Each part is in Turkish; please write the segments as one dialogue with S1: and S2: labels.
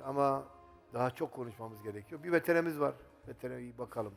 S1: Ama daha çok konuşmamız gerekiyor. Bir veterimiz var. Veterine iyi bakalım.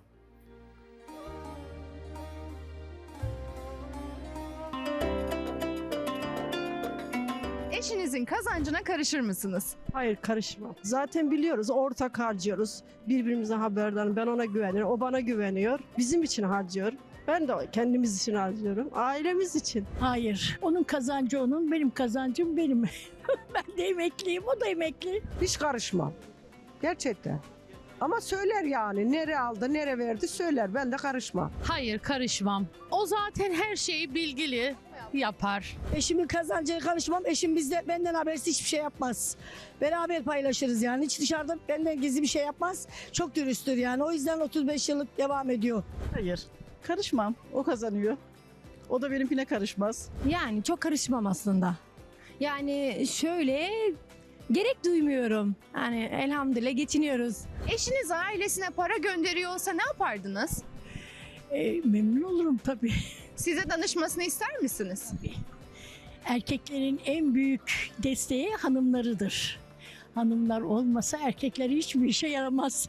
S2: Eşinizin kazancına karışır mısınız?
S3: Hayır, karışmam. Zaten biliyoruz, ortak harcıyoruz. Birbirimize haberdarım. Ben ona güveniyorum, o bana güveniyor. Bizim için harcıyor. Ben de kendimiz için harcıyorum. Ailemiz için.
S4: Hayır. Onun kazancı onun, benim kazancım benim. Ben de emekliyim, o da emekli.
S5: Hiç karışmam. Gerçekten. Ama söyler yani. Nere aldı, nere verdi söyler. Ben de karışmam.
S6: Hayır, karışmam. O zaten her şeyi bilgili yapar.
S4: Eşimin kazancına karışmam. Eşim benden habersiz hiçbir şey yapmaz. Beraber paylaşırız yani. Hiç dışarıda benden gizli bir şey yapmaz. Çok dürüsttür yani. O yüzden 35 yıllık devam ediyor.
S7: Hayır, karışmam. O kazanıyor. O da benimkine karışmaz.
S8: Yani çok karışmam aslında. Yani şöyle gerek duymuyorum. Yani elhamdülillah geçiniyoruz.
S2: Eşiniz ailesine para gönderiyor olsa ne yapardınız?
S4: Memnun olurum tabii.
S2: Size danışmasını ister misiniz?
S4: Erkeklerin en büyük desteği hanımlarıdır. Hanımlar olmasa erkekler hiçbir işe yaramaz.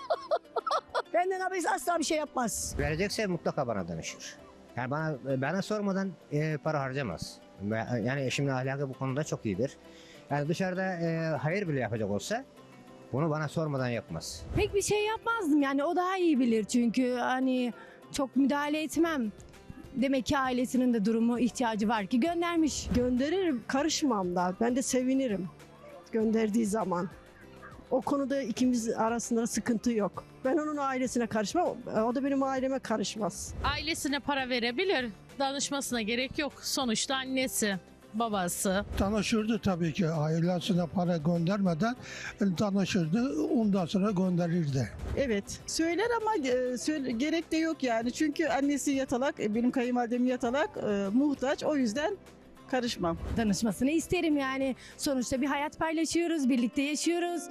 S4: Benden habersiz asla bir şey yapmaz.
S9: Verecekse mutlaka bana danışır. Yani bana sormadan para harcamaz. Yani eşimin ahlakı bu konuda çok iyidir. Yani dışarıda hayır bile yapacak olsa bunu bana sormadan yapmaz.
S8: Pek bir şey yapmazdım yani o daha iyi bilir çünkü hani çok müdahale etmem. Demek ki ailesinin de durumu ihtiyacı var ki göndermiş.
S3: Gönderirim, karışmam da. Ben de sevinirim gönderdiği zaman. O konuda ikimiz arasında sıkıntı yok. Ben onun ailesine karışmam, o da benim aileme karışmaz.
S6: Ailesine para verebilir. Danışmasına gerek yok. Sonuçta annesi, babası.
S10: Tanışırdı tabii ki ailesine para göndermeden tanışırdı, ondan sonra gönderirdi.
S7: Evet, söyler ama gerek de yok yani. Çünkü annesi yatalak, benim kayınvalidem yatalak, muhtaç. O yüzden karışmam.
S8: Danışmasını isterim yani. Sonuçta bir hayat paylaşıyoruz, birlikte yaşıyoruz.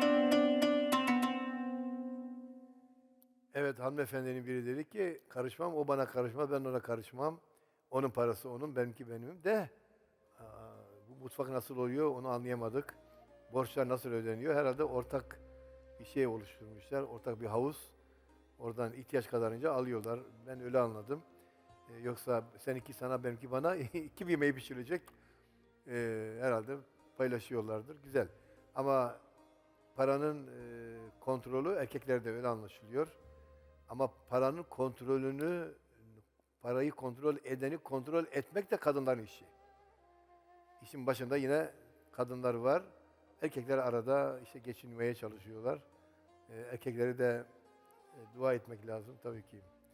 S1: Evet, hanımefendinin biri dedi ki karışmam, o bana karışmaz, ben ona karışmam. Onun parası onun, benimki benim de. Bu mutfak nasıl oluyor onu anlayamadık. Borçlar nasıl ödeniyor? Herhalde ortak bir şey oluşturmuşlar, ortak bir havuz. Oradan ihtiyaç kadarınca alıyorlar. Ben öyle anladım. Yoksa seninki sana, benimki bana iki bir yemeği pişirilecek. Herhalde paylaşıyorlardır. Güzel. Ama paranın kontrolü erkeklerde öyle anlaşılıyor. Ama paranın kontrolünü, parayı kontrol edeni kontrol etmek de kadınların işi. İşin başında yine kadınlar var. Erkekler arada işte geçinmeye çalışıyorlar. Erkekleri de dua etmek lazım tabii ki.